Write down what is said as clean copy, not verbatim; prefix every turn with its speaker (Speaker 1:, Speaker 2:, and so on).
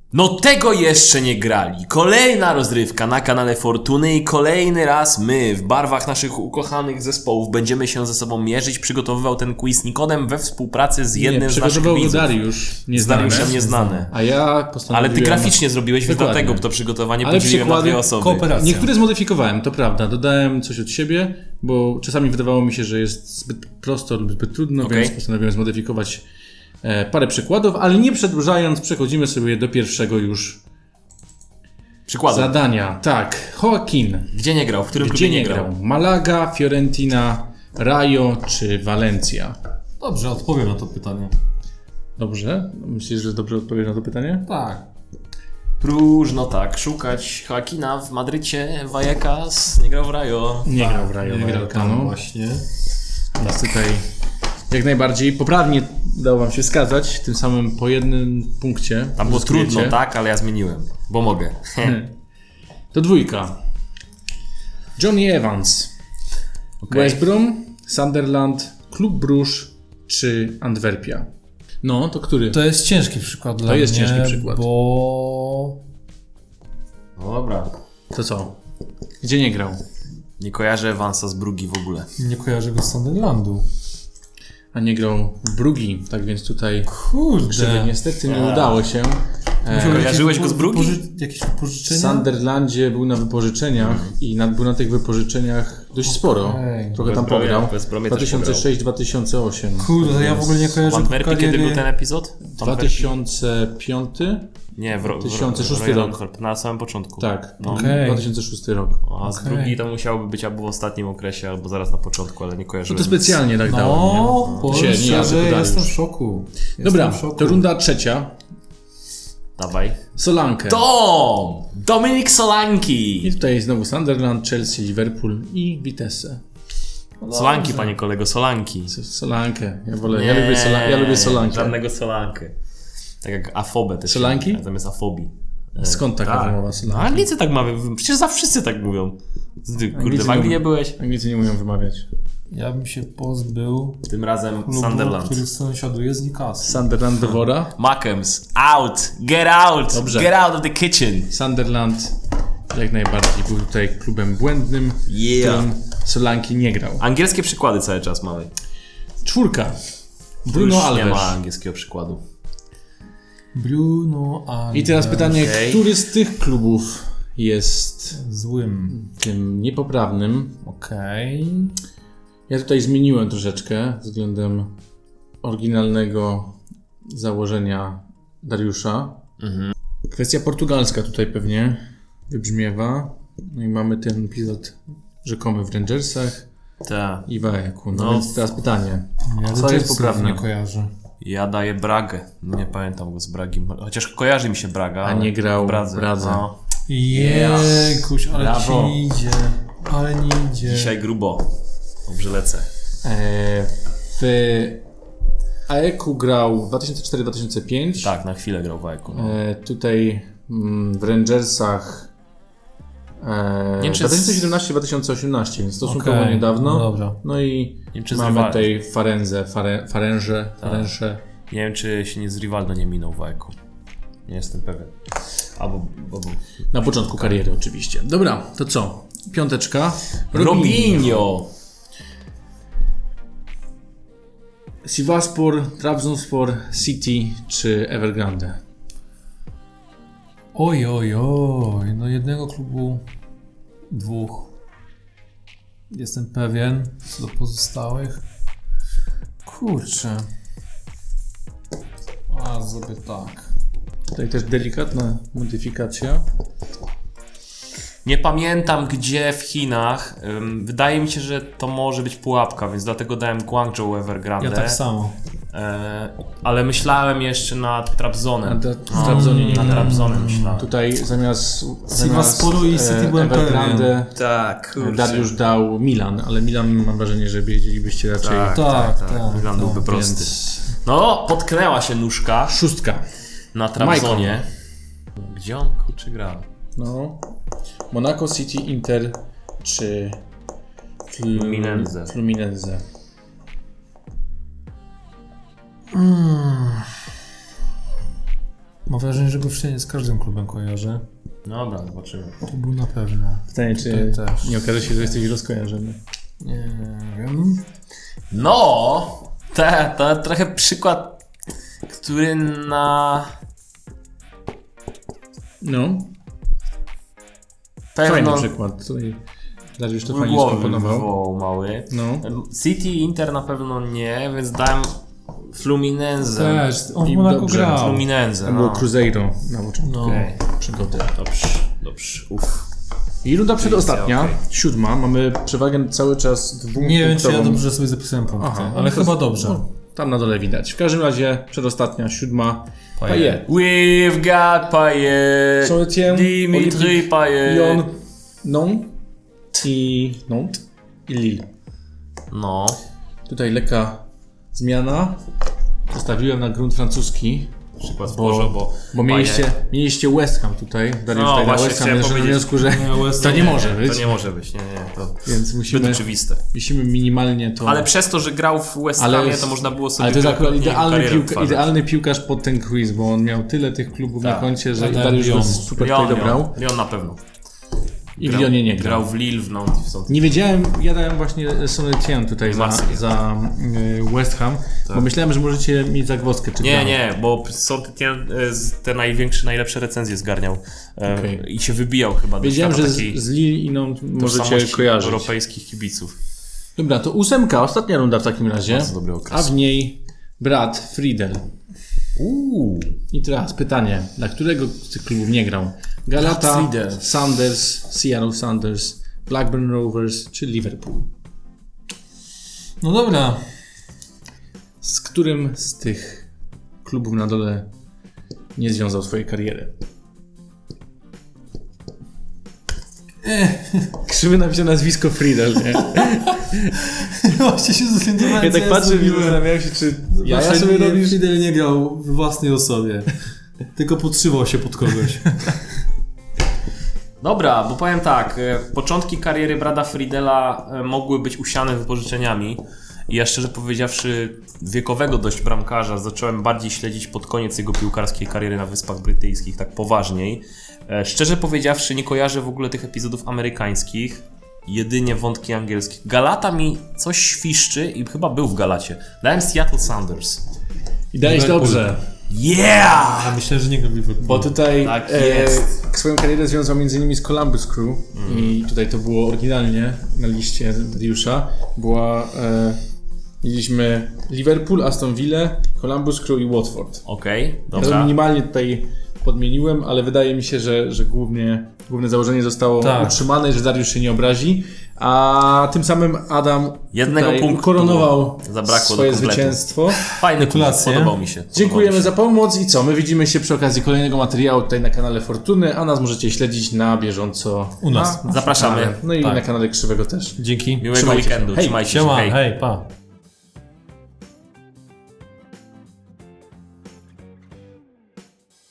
Speaker 1: No tego jeszcze nie grali. Kolejna rozrywka na kanale Fortuny i kolejny raz my w barwach naszych ukochanych zespołów będziemy się ze sobą mierzyć. Przygotowywał ten quiz Nikodem we współpracy z jednym z naszych widzów.
Speaker 2: Dariusz,
Speaker 1: z Dariuszem Nieznany.
Speaker 2: A ja postanowiłem...
Speaker 1: Ale ty graficznie zrobiłeś, więc dlatego to przygotowanie podzieliłem na dwie osoby.
Speaker 3: Kooperacja.
Speaker 2: Niektóre zmodyfikowałem, to prawda. Dodałem coś od siebie, bo czasami wydawało mi się, że jest zbyt prosto lub zbyt trudno, więc postanowiłem zmodyfikować parę przykładów, ale nie przedłużając, przechodzimy sobie do pierwszego już
Speaker 1: przykładu.
Speaker 2: Zadania. Tak, Joaquin.
Speaker 1: Gdzie nie grał? W którym
Speaker 2: Gdzie
Speaker 1: klubie
Speaker 2: nie grał? Malaga, Fiorentina, Rayo czy Valencia?
Speaker 3: Dobrze, odpowiem na to pytanie.
Speaker 2: Dobrze? Myślisz, że dobrze odpowiem na to pytanie?
Speaker 3: Tak.
Speaker 1: Próżno tak, szukać Joaquina w Madrycie, Vallecas, nie grał w Rayo.
Speaker 2: Nie grał w Rayo
Speaker 3: Nie grał tam
Speaker 2: Vallecano.
Speaker 3: właśnie.
Speaker 2: Więc tutaj jak najbardziej poprawnie udało wam się wskazać, tym samym po jednym punkcie.
Speaker 1: Tam było
Speaker 2: uzyskujecie.
Speaker 1: trudno, tak, ale ja zmieniłem, bo mogę.
Speaker 2: To dwójka. Johnny Evans. West Brom, Sunderland, Klub Bruges czy Antwerpia? No, to który?
Speaker 3: To jest ciężki przykład dla mnie.
Speaker 2: To jest ciężki przykład.
Speaker 3: Bo...
Speaker 1: No dobra.
Speaker 2: To co? Gdzie nie grał?
Speaker 1: Nie kojarzę Evansa z Brugi w ogóle.
Speaker 3: Nie kojarzę go z Sunderlandu.
Speaker 2: A nie grał w Brugi, tak więc tutaj
Speaker 3: Kurde.
Speaker 2: krzywy niestety nie udało się.
Speaker 1: Kojarzyłeś go z Brugi?
Speaker 3: Jakieś wypożyczenia?
Speaker 2: W Sunderlandzie był na wypożyczeniach i był na tych wypożyczeniach dość sporo.
Speaker 3: Okej.
Speaker 2: Trochę tam
Speaker 1: West Bromie-
Speaker 2: pograł.
Speaker 1: West Bromie też
Speaker 2: 2006-2008.
Speaker 3: Kurde, to ja w ogóle nie
Speaker 1: W
Speaker 3: kojarzę
Speaker 1: Antwerpii kiedy był ten epizod? W Antwerpii?
Speaker 2: 2005?
Speaker 1: Nie, w
Speaker 2: 2006
Speaker 1: Royal
Speaker 2: rok.
Speaker 1: Antwerp, na samym początku.
Speaker 2: Tak,
Speaker 1: No.
Speaker 3: Okej.
Speaker 2: 2006 rok.
Speaker 1: A z Brugi to musiałoby być albo w ostatnim okresie, albo zaraz na początku, ale nie
Speaker 2: No
Speaker 1: kojarzyłem.
Speaker 2: to specjalnie tak dałem.
Speaker 3: No,
Speaker 2: nie?
Speaker 3: powiem
Speaker 2: Się nie jadę,
Speaker 3: szczerze,
Speaker 2: to
Speaker 3: jestem w
Speaker 2: Dariusz.
Speaker 3: szoku.
Speaker 2: Dobra,
Speaker 3: Jestem w szoku.
Speaker 2: to runda trzecia.
Speaker 1: Dawaj.
Speaker 2: Solankę.
Speaker 1: Dominik Solanki!
Speaker 2: I tutaj znowu Sunderland, Chelsea, Liverpool i Vitesse.
Speaker 1: Solanki, panie kolego, Solanki.
Speaker 2: Solankę. Ja lubię Solankę.
Speaker 1: Żadnego Solankę. Tak jak afobę też.
Speaker 2: Solanki?
Speaker 1: Zamiast afobii.
Speaker 2: Skąd taka wymowa
Speaker 1: No
Speaker 2: Solanki?
Speaker 1: Anglicy tak mawiają, przecież zawsze wszyscy tak mówią. Ty, kurde,
Speaker 2: Anglicy
Speaker 1: w Anglii
Speaker 2: mówią.
Speaker 1: nie byłeś?
Speaker 2: Anglicy nie umieją wymawiać.
Speaker 3: Ja bym się pozbył
Speaker 1: Tym razem
Speaker 3: klubu,
Speaker 1: Sunderland.
Speaker 3: który sąsiaduje z Newcastle.
Speaker 2: Sunderland do wora.
Speaker 1: Mackems, out! Get out!
Speaker 2: Dobrze.
Speaker 1: Get out of the kitchen!
Speaker 2: Sunderland jak najbardziej był tutaj klubem błędnym, w którym Solanki nie grał.
Speaker 1: Angielskie przykłady cały czas mamy.
Speaker 2: Czwórka.
Speaker 1: Już
Speaker 2: Bruno
Speaker 1: nie
Speaker 2: Alves.
Speaker 1: ma angielskiego przykładu.
Speaker 3: Bruno Alves.
Speaker 2: I teraz pytanie,
Speaker 1: Okej.
Speaker 2: który z tych klubów jest
Speaker 3: Złym.
Speaker 2: tym niepoprawnym?
Speaker 3: Okej.
Speaker 2: Ja tutaj zmieniłem troszeczkę względem oryginalnego założenia Dariusza. Kwestia portugalska tutaj pewnie wybrzmiewa. No i mamy ten epizod rzekomy w Rangersach
Speaker 1: Tak.
Speaker 2: i w AEK-u. No,
Speaker 1: No.
Speaker 2: więc teraz pytanie.
Speaker 3: Ja
Speaker 2: Co jest
Speaker 3: Rangersów
Speaker 2: poprawne?
Speaker 3: nie kojarzę.
Speaker 1: Ja daję Bragę. Nie pamiętam go z Bragi. Chociaż kojarzy mi się Braga.
Speaker 2: A nie grał
Speaker 1: w
Speaker 2: w Bradze.
Speaker 1: No.
Speaker 3: Jejkuś, ale
Speaker 2: Brawo.
Speaker 3: ci idzie. Ale nie idzie.
Speaker 1: Dzisiaj grubo. Dobrze lecę.
Speaker 2: W AEK-u grał 2004-2005.
Speaker 1: Tak, na chwilę grał w Ajku. No.
Speaker 2: Tutaj w Rangersach
Speaker 1: Nie wiem, czy
Speaker 2: 2017-2018, więc stosunkowo
Speaker 3: Okej,
Speaker 2: niedawno.
Speaker 3: no dobra.
Speaker 2: No i
Speaker 1: wiem, czy
Speaker 2: mamy
Speaker 1: z Rival-
Speaker 2: tutaj Farenże.
Speaker 1: Nie wiem, czy się nie z Rivaldo nie minął w Ajku. Nie jestem pewien. Albo
Speaker 2: Na początku kariery oczywiście. Dobra, to co? Piąteczka.
Speaker 1: Robinho!
Speaker 2: Sivasspor, Trabzonspor, City czy Evergrande?
Speaker 3: Oj. No jednego klubu, dwóch. Jestem pewien. Co do pozostałych. Kurczę. A zrobię tak.
Speaker 2: Tutaj też delikatna modyfikacja.
Speaker 1: Nie pamiętam gdzie w Chinach. Wydaje mi się, że to może być pułapka, więc dlatego dałem Guangzhou Evergrande.
Speaker 3: Ja tak samo.
Speaker 1: Ale myślałem jeszcze nad Trabzonem.
Speaker 2: W Trabzonie nie
Speaker 1: Nad
Speaker 2: grał.
Speaker 1: Trabzonem myślałem.
Speaker 2: Tutaj zamiast
Speaker 3: Sivassporu i City byłem
Speaker 2: Evergrande
Speaker 1: Tak,
Speaker 2: Dariusz dał Milan, ale Milan mam wrażenie, że wiedzielibyście raczej.
Speaker 3: Tak.
Speaker 1: Milan byłby prosty.
Speaker 2: Więc
Speaker 1: No, potknęła się nóżka
Speaker 2: szóstka.
Speaker 1: na Trabzonie. Gdzie on kurczę grał?
Speaker 2: No. Monaco, City, Inter czy
Speaker 1: Fluminense.
Speaker 2: Fluminense.
Speaker 3: Mam wrażenie, że go wszędzie z każdym klubem kojarzę.
Speaker 1: Dobra, zobaczymy.
Speaker 3: To był na pewno.
Speaker 2: Pytanie, czy
Speaker 3: Tutaj też.
Speaker 2: nie okaże się, że jesteś rozkojarzony.
Speaker 3: Nie wiem.
Speaker 1: No, to trochę przykład, który na
Speaker 2: No,
Speaker 1: pewno
Speaker 2: fajny przykład. Tutaj Dariusz to fajnie
Speaker 1: głowy
Speaker 2: skomponował.
Speaker 1: wywołał mały.
Speaker 2: No.
Speaker 1: City, Inter na pewno nie, więc dałem Fluminense.
Speaker 3: Też, on
Speaker 2: I
Speaker 3: w Monaco
Speaker 2: dobrze.
Speaker 3: grał.
Speaker 1: Fluminense,
Speaker 2: To było
Speaker 1: no.
Speaker 2: Cruzeiro na początku
Speaker 3: No.
Speaker 1: Okej.
Speaker 2: przygody.
Speaker 1: Dobrze, uff.
Speaker 2: I runda przedostatnia,
Speaker 1: okej.
Speaker 2: 7. Mamy przewagę cały czas dwupunktową.
Speaker 3: Nie wiem, czy ja dobrze sobie zapisałem punkty,
Speaker 2: Aha,
Speaker 3: ale
Speaker 2: to
Speaker 3: chyba
Speaker 2: jest-
Speaker 3: dobrze.
Speaker 2: no, tam na dole widać. W każdym razie przedostatnia, 7. Payet.
Speaker 1: We've got Payet,
Speaker 2: Saint-Étienne,
Speaker 1: Dimitri
Speaker 2: Olympique,
Speaker 1: Payet.
Speaker 2: Lyon, Nantes i Lille.
Speaker 1: No,
Speaker 2: Tutaj lekka zmiana. Zostawiłem na grunt francuski.
Speaker 1: przykład Bożo,
Speaker 2: Bo mieliście West Ham tutaj. Dariusz
Speaker 1: No,
Speaker 2: tutaj na
Speaker 1: właśnie
Speaker 2: West Ham,
Speaker 1: chciałem
Speaker 2: że na
Speaker 1: powiedzieć.
Speaker 2: wniosku, że
Speaker 3: Nie, West
Speaker 2: to
Speaker 3: Ham
Speaker 2: nie
Speaker 3: nie,
Speaker 2: może być.
Speaker 1: To nie może być, nie, to
Speaker 2: Więc
Speaker 1: zbyt
Speaker 2: musimy
Speaker 1: oczywiste.
Speaker 2: minimalnie to...
Speaker 1: Ale przez to, że grał w West
Speaker 2: Ale
Speaker 1: Hamie,
Speaker 2: jest-
Speaker 1: to można było sobie
Speaker 2: Ale to jest akurat
Speaker 1: karierę odtwarzać.
Speaker 2: idealny piłkarz pod ten quiz, bo on miał tyle tych klubów na
Speaker 1: Tak.
Speaker 2: koncie, że
Speaker 3: Tak,
Speaker 2: Dariusz go
Speaker 3: Lyon.
Speaker 2: super tutaj dobrał.
Speaker 1: Lyon na pewno.
Speaker 2: I w Lyonie nie grał.
Speaker 1: Grał w Lille, w Nantes i w Saint-Étienne.
Speaker 2: Nie wiedziałem, ja dałem właśnie Saint-Étienne tutaj
Speaker 1: Marsylia.
Speaker 2: za West Ham, bo myślałem, że możecie mieć zagwozdkę. Czy grał.
Speaker 1: Nie, bo Saint-Étienne te najlepsze recenzje zgarniał
Speaker 2: Okej.
Speaker 1: i się wybijał chyba
Speaker 2: Wiedziałem,
Speaker 1: do
Speaker 2: że
Speaker 1: świata takiej
Speaker 2: z Lille i Nantes możecie
Speaker 1: tożsamości
Speaker 2: kojarzyć.
Speaker 1: europejskich kibiców.
Speaker 2: Dobra, to 8, ostatnia runda w takim razie,
Speaker 1: Bardzo dobry okres.
Speaker 2: a w niej brat Friedel. I teraz pytanie, dla którego z tych klubów nie grał? Galata,
Speaker 1: Brat Friedel.
Speaker 2: Sanders, Seattle Sanders, Blackburn Rovers czy Liverpool?
Speaker 3: No dobra.
Speaker 2: Z którym z tych klubów na dole nie związał swojej kariery? Krzywy napisał nazwisko Friedel, nie?
Speaker 3: Właśnie się zorientowałem,
Speaker 2: Ja
Speaker 3: co
Speaker 2: tak patrzę i
Speaker 3: zrobiłem.
Speaker 2: zastanawiałem się, czy ja
Speaker 3: Znaczy,
Speaker 2: sobie
Speaker 3: nie,
Speaker 2: robisz...
Speaker 3: Fidel nie grał w własnej osobie. Tylko podszywał się pod kogoś.
Speaker 1: Dobra, bo powiem tak, początki kariery brata Friedela mogły być usiane wypożyczeniami i ja szczerze powiedziawszy wiekowego dość bramkarza zacząłem bardziej śledzić pod koniec jego piłkarskiej kariery na Wyspach Brytyjskich, tak poważniej. Szczerze powiedziawszy nie kojarzę w ogóle tych epizodów amerykańskich, jedynie wątki angielskie. Galata mi coś świszczy i chyba był w Galacie. Dałem Seattle Sanders.
Speaker 2: I dałeś
Speaker 3: Liverpool.
Speaker 2: dobrze,
Speaker 1: Yeah!
Speaker 3: A myślę, że nie grał w Liverpoolu.
Speaker 2: bo tutaj
Speaker 1: Tak jest.
Speaker 2: swoją karierę związał m.in. z Columbus Crew i tutaj to było oryginalnie na liście Dariusza. Mieliśmy Liverpool, Aston Villa, Columbus Crew i Watford.
Speaker 1: Okej,
Speaker 2: Ja to
Speaker 1: dobra.
Speaker 2: minimalnie tutaj podmieniłem, ale wydaje mi się, że główne założenie zostało
Speaker 3: Tak.
Speaker 2: utrzymane, że Dariusz się nie obrazi, a tym samym Adam
Speaker 1: Jednego
Speaker 2: tutaj
Speaker 1: punktu
Speaker 2: ukoronował
Speaker 1: zabrakło
Speaker 2: swoje
Speaker 1: do kompletu.
Speaker 2: zwycięstwo.
Speaker 1: Fajny quiz,
Speaker 3: Gratulacje.
Speaker 1: podobał mi się.
Speaker 2: Dziękujemy za pomoc i co? My widzimy się przy okazji kolejnego materiału tutaj na kanale Fortuny, a nas możecie śledzić na bieżąco
Speaker 3: U nas.
Speaker 2: na
Speaker 1: Zapraszamy.
Speaker 2: kanale. No i
Speaker 3: Tak.
Speaker 2: na kanale Krzywego też.
Speaker 3: Dzięki.
Speaker 1: Miłego
Speaker 2: Trzymajcie się.
Speaker 1: weekendu,
Speaker 2: Hej,
Speaker 1: trzymajcie się.
Speaker 3: Siema,
Speaker 1: Hej.
Speaker 3: hej, pa.